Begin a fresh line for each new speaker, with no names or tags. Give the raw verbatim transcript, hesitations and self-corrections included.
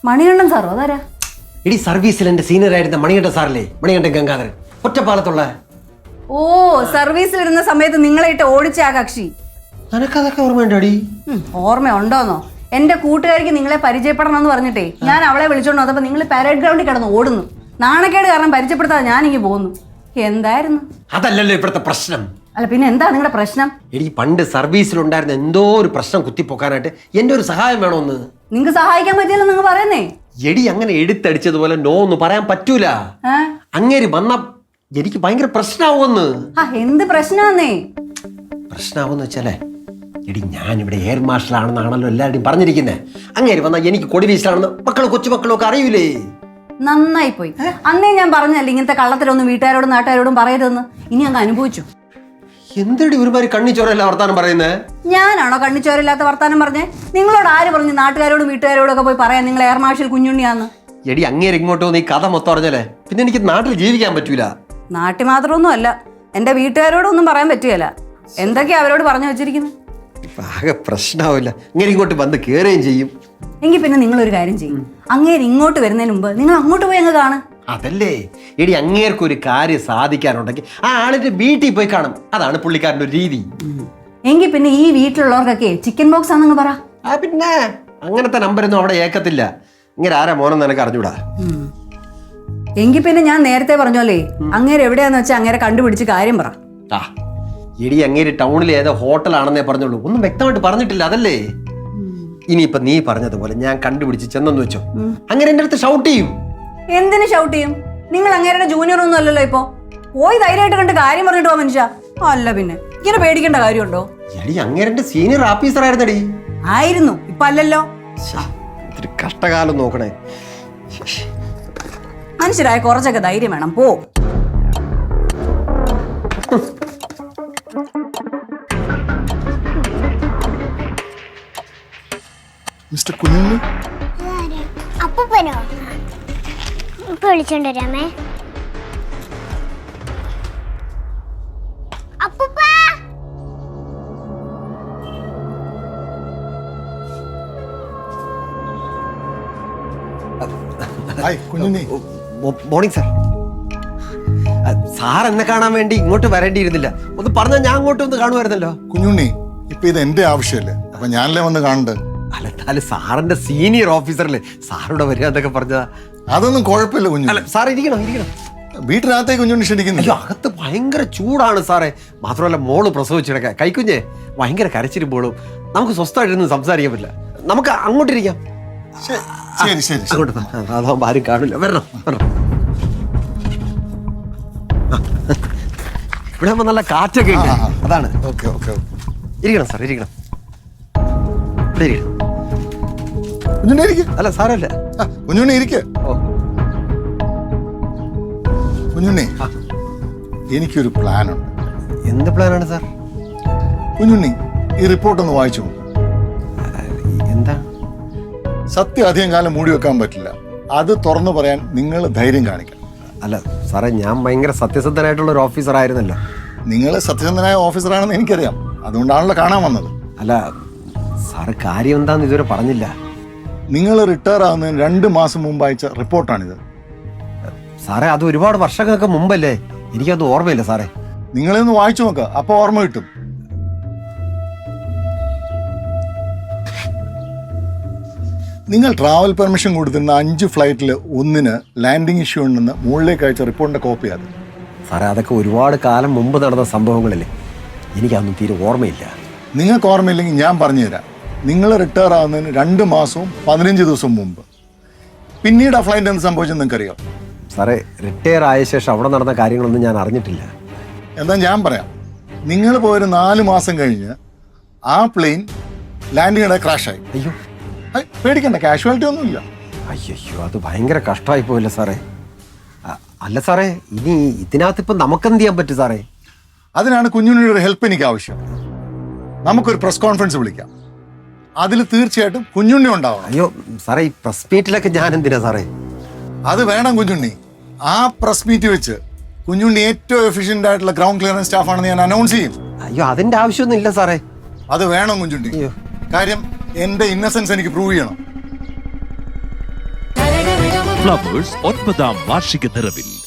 മണികണ്ഠൻ സാറോ അതാരാ?
ഇടി സർവീസിൽ എന്റെ സീനിയർ ആയിരുന്ന മണികണ്ഠൻ സാറല്ലേ, മണികണ്ഠൻ ഗംഗാധരൻ, ഒറ്റപ്പാലത്തുള്ള.
ഓ, സർവീസിലിരുന്ന സമയത്ത് നിങ്ങളായിട്ട് ഓടിച്ച ആ കക്ഷി.
നിനക്കതൊക്കെ ഓർമ്മയുണ്ടോടി?
ഓർമ്മ ഉണ്ടോന്നോ? എന്റെ കൂട്ടുകാരിക്ക് നിങ്ങളെ പരിചയപ്പെടണം എന്ന് പറഞ്ഞിട്ടേ ഞാൻ അവളെ വിളിച്ചോണ്ട് വന്നപ്പോ നിങ്ങൾ പാരേഡ് ഗ്രൗണ്ടിൽ കിടന്ന് ഓടുന്നു. നാണക്കേട് കാരണം പരിചയപ്പെടുത്താതെ ഞാനിങ്ങ് പോകുന്നു. എന്തായിരുന്നു?
അതല്ലല്ലോ ഇപ്പോഴത്തെ പ്രശ്നം.
അല്ല പിന്നെ എന്താ നിങ്ങളുടെ പ്രശ്നം?
എടി പണ്ട് സർവീസിലുണ്ടായിരുന്ന എന്തോ ഒരു പ്രശ്നം കുത്തിപ്പൊക്കാനായിട്ട് എന്റെ ഒരു സഹായം വേണമെന്ന്.
നിങ്ങക്ക് സഹായിക്കാൻ പറ്റിയല്ലോ നിങ്ങൾ പറയുന്നേ.
എടി അങ്ങനെ എടുത്തടിച്ചതുപോലെ നോ എന്ന് പറയാൻ പറ്റൂല. അങ്ങേര് വന്ന എനിക്ക് ഭയങ്കര പ്രശ്നമാവുമെന്ന്.
ആ എന്ത് പ്രശ്നമാന്നേ?
പ്രശ്നമാവെന്ന് വെച്ചാലേ എടി ഞാനിവിടെ എയർ മാർഷൽ ആണെന്നാണല്ലോ എല്ലാവരുടെയും പറഞ്ഞിരിക്കുന്നത്. അങ്ങേര് വന്നാൽ എനിക്ക് കൊടി വീശലാണെന്ന് മക്കളും കൊച്ചുമക്കളും ഒക്കെ അറിയൂലേ.
നന്നായി പോയി. അന്നേ ഞാൻ പറഞ്ഞല്ലേ ഇങ്ങനത്തെ കള്ളത്തിലൊന്നും വീട്ടുകാരോടും നാട്ടുകാരോടും പറയരുതെന്ന്. ഇനി അങ്ങ് അനുഭവിച്ചു.
എന്തെടി ഒരുമാതിരി കണ്ണിച്ചോരല്ല വർത്താനം പറയുന്നത്?
ഞാനാണോ കണ്ണിച്ചോരില്ലാത്ത വർത്താനം പറഞ്ഞേ? നിങ്ങളോട് ആര് പറഞ്ഞു നാട്ടുകാരോടും വീട്ടുകാരോടും ഒക്കെ പോയി പറയാൻ നിങ്ങൾ എയർ മാർഷൽ കുഞ്ഞുണ്ണിയാന്ന്?
എടി അങ്ങേര് ഇങ്ങോട്ട് വന്ന് ഈ കഥ മൊത്തം അറിഞ്ഞല്ലേ പിന്നെ എനിക്ക് നാട്ടിൽ ജീവിക്കാൻ പറ്റൂല.
നാട്ടിൽ മാത്രമൊന്നും അല്ല, എന്റെ വീട്ടുകാരോടൊന്നും പറയാൻ പറ്റുകയില്ല. എന്തൊക്കെയാ അവരോട് പറഞ്ഞു വെച്ചിരിക്കുന്നത്?
ആകെ പ്രശ്നമാവില്ല. അങ്ങനെ ഇങ്ങോട്ട് വന്ന് കയറുകയും ചെയ്യും.
എങ്കിൽ പിന്നെ നിങ്ങളൊരു കാര്യം ചെയ്യും, അങ്ങേര് ഇങ്ങോട്ട് വരുന്നതിന് മുമ്പ് നിങ്ങൾ അങ്ങോട്ട് പോയി അങ്ങ് കാണും.
അതല്ലേ എടി അങ്ങേർക്ക് ഒരു കാര്യം സാധിക്കാനുണ്ടെങ്കിൽ ആ ആളിന്റെ വീട്ടിൽ പോയി കാണും. അതാണ് പുള്ളിക്കാരൻ്റെ ഒരു രീതി.
എങ്കിൽ പിന്നെ ഈ വീട്ടിലുള്ളവർക്കൊക്കെ ചിക്കൻ ബോക്സ് ആണെന്ന് പറ.
ആ പിന്നെ അങ്ങനത്തെ നമ്പരൊന്നും അവിടെ ഏക്കത്തില്ല. ഇങ്ങനെ ആരാ മോനെന്ന് എനിക്ക് അറിഞ്ഞൂടാ.
എങ്കിൽ പിന്നെ ഞാൻ നേരത്തെ പറഞ്ഞോലേ, അങ്ങേര് എവിടെയാന്ന് വെച്ചാൽ അങ്ങേരെ കണ്ടുപിടിച്ച് കാര്യം പറ.
ആ എടി അങ്ങേര് ടൗണിൽ ഏതോ ഹോട്ടലാണെന്നേ പറഞ്ഞോളൂ, ഒന്നും വ്യക്തമായിട്ട് പറഞ്ഞിട്ടില്ല. അതല്ലേ ഇനിയിപ്പൊ നീ പറഞ്ഞതുപോലെ ഞാൻ കണ്ടുപിടിച്ച് ചെന്നെന്ന് വെച്ചോ, അങ്ങനെ എന്റെ അടുത്ത് ഷൗട്ട് ചെയ്യും.
എന്തിനു ഷൗട്ട് ചെയ്യും? നിങ്ങൾ അങ്ങേരുടെ ജൂനിയർ ഒന്നും അല്ലല്ലോ. ഇപ്പൊ പോയി ധൈര്യമായിട്ട് കണ്ട് കാര്യം പറഞ്ഞിട്ട് പോ മനുഷ്യ. അല്ല പിന്നെ ഇങ്ങനെ പേടിക്കേണ്ട കാര്യമുണ്ടോ?
എടി അങ്ങേരുടെ സീനിയർ ഓഫീസർ ആയിരുന്നടി.
ആയിരുന്നു, ഇപ്പൊ അല്ലല്ലോ.
കഷ്ടകാലം നോക്കണേ.
മനുഷ്യരായ കുറച്ചൊക്കെ ധൈര്യം വേണം. പോ.
മിസ്റ്റർ കുഞ്ഞുണ്ണി
അപ്പൂപ്പനോ? ഇപ്പൊ വിളിച്ചോണ്ട് വരാമേ. അപ്പൂപ്പ
hi Kunjunni.
Morning sir. Sir എന്നെ കാണാൻ വേണ്ടി ഇങ്ങോട്ട് വരേണ്ടിയിരുന്നില്ല. ഒന്ന് പറഞ്ഞാൽ ഞാൻ അങ്ങോട്ട് ഒന്ന് കാണുമായിരുന്നല്ലോ.
കുഞ്ഞുണ്ണി ഇപ്പൊ ഇത് എന്റെ ആവശ്യമല്ലേ, അപ്പൊ ഞാനല്ലേ വന്ന് കാണണ്ടേ?
അല്ല എന്നാലും സാറിന്റെ സീനിയർ ഓഫീസറല്ലേ, സാറിവിടെ വരിക എന്നൊക്കെ പറഞ്ഞതാ.
അതൊന്നും കുഴപ്പമില്ല കുഞ്ഞുണ്ണി.
അല്ല സാർ ഇരിക്കണം ഇരിക്കണം.
വീട്ടിനകത്തേക്ക് കുഞ്ഞുണ്ണി ക്ഷണിക്കുന്നില്ല.
അകത്ത് ഭയങ്കര ചൂടാണ് സാറേ. മാത്രമല്ല മോള് പ്രസവിച്ചിടക്ക കൈക്കുഞ്ഞെ ഭയങ്കര കരച്ചിരുമ്പോഴും നമുക്ക് സ്വസ്ഥമായിട്ടൊന്നും സംസാരിക്കാൻ പറ്റില്ല. നമുക്ക് അങ്ങോട്ടിരിക്കാം.
ശരി ശരി
അങ്ങോട്ട് അതാവുമ്പോ ആരും കാണില്ല. വരണം വരണം. ഇവിടെ ആകുമ്പോ നല്ല കാറ്റൊക്കെ ഉണ്ട്. അതാണ്.
ഓക്കെ ഓക്കെ
ഇരിക്കണം സാർ ഇരിക്കണം. ഇവിടെ ഇരിക്കണം.
കുഞ്ഞുണ്ണി ഇരിക്കും.
അല്ല സാരല്ല.
കുഞ്ഞുണ്ണി ഇരിക്ക.
ഓ
കുഞ്ഞുണ്ണി എനിക്കൊരു പ്ലാൻ ഉണ്ട്.
എന്ത് പ്ലാനാണ് സാർ?
കുഞ്ഞുണ്ണി ഈ റിപ്പോർട്ട് ഒന്ന് വായിച്ചു.
എന്താ?
സത്യം അധികം കാലം മൂടി വെക്കാൻ പറ്റില്ല. അത് തുറന്നു പറയാൻ നിങ്ങൾ ധൈര്യം കാണിക്കണം.
അല്ല സാറേ, ഞാൻ ഭയങ്കര സത്യസന്ധനായിട്ടുള്ള ഒരു ഓഫീസർ ആയിരുന്നല്ലോ.
നിങ്ങൾ സത്യസന്ധനായ ഓഫീസറാണെന്ന് എനിക്കറിയാം, അതുകൊണ്ടാണല്ലോ കാണാൻ വന്നത്.
അല്ല സാറ് കാര്യം എന്താന്ന് ഇതുവരെ പറഞ്ഞില്ല.
നിങ്ങൾ റിട്ടയർ ആവുന്നതിന് രണ്ട് മാസം മുമ്പ് അയച്ച റിപ്പോർട്ടാണിത്.
സാറേ അത് ഒരുപാട് വർഷങ്ങൾക്ക് മുമ്പല്ലേ, എനിക്കത് ഓർമ്മയില്ല സാറേ.
നിങ്ങളൊന്ന് വായിച്ചു നോക്കുക, അപ്പൊ ഓർമ്മ കിട്ടും. നിങ്ങൾ ട്രാവൽ പെർമിഷൻ കൊടുത്തിരുന്ന അഞ്ച് ഫ്ലൈറ്റിൽ ഒന്നിന് ലാൻഡിംഗ് ഇഷ്യൂ ഉണ്ടെന്ന് മുകളിലേക്ക് അയച്ച റിപ്പോർട്ടിന്റെ കോപ്പി അത്.
സാറേ അതൊക്കെ ഒരുപാട് കാലം മുമ്പ് നടന്ന സംഭവങ്ങളല്ലേ, എനിക്കതൊന്നും തീരെ ഓർമ്മയില്ല.
നിങ്ങൾക്ക് ഓർമ്മയില്ലെങ്കിൽ ഞാൻ പറഞ്ഞുതരാം. നിങ്ങൾ റിട്ടയർ ആവുന്നതിന് രണ്ട് മാസവും പതിനഞ്ച് ദിവസം മുമ്പ്. പിന്നീട് ആ ഫ്ലൈറ്റ് എന്ത് സംഭവിച്ചെന്ന് നിങ്ങൾക്കറിയാം?
സാറേ റിട്ടയർ ആയ ശേഷം അവിടെ നടന്ന കാര്യങ്ങളൊന്നും ഞാൻ അറിഞ്ഞിട്ടില്ല.
എന്താ ഞാൻ പറയാം. നിങ്ങൾ പോയൊരു നാല് മാസം കഴിഞ്ഞ് ആ പ്ലെയിൻ ലാൻഡിങ്ങിടെ ക്രാഷായി.
അയ്യോ
പേടിക്കണ്ട, കാഷ്വാലിറ്റി ഒന്നുമില്ല.
അയ്യോ അത് ഭയങ്കര കഷ്ടമായി പോയില്ല സാറേ. അല്ല സാറേ, ഇനി ഇതിനകത്ത് ഇപ്പം നമുക്കെന്ത് ചെയ്യാൻ പറ്റും സാറേ?
അതിനാണ് കുഞ്ഞുണ്ണിയുടെ ഹെൽപ്പ് എനിക്ക് ആവശ്യം. നമുക്കൊരു പ്രസ് കോൺഫറൻസ് വിളിക്കാം, അതിൽ തീർച്ചയായിട്ടും കുഞ്ഞുണ്ണി ഉണ്ടാവണം.
അയ്യോ സാറേ, ഈ പ്രസ് മീറ്റിലൊക്കെ ഞാൻ എന്തിനാ സാറേ?
അത് വേണം കുഞ്ഞുണ്ണി. ആ പ്രസ് മീറ്റ് വെച്ച് കുഞ്ഞുണ്ണി ഏറ്റവും എഫിഷ്യന്റ് ആയിട്ടുള്ള ഗ്രൗണ്ട് ക്ലിയറൻസ് സ്റ്റാഫാണെന്ന് ഞാൻ അനൗൺസ് ചെയ്യും.
അയ്യോ അതിന്റെ ആവശ്യമൊന്നും ഇല്ല സാറേ.
അത് വേണം കുഞ്ഞുണ്ണി. കാര്യം എന്റെ ഇന്നസെൻസ് എനിക്ക് പ്രൂവ് ചെയ്യണം.
ഫ്ലവേഴ്സ് ഒൻപതാം വാർഷിക നിറവിൽ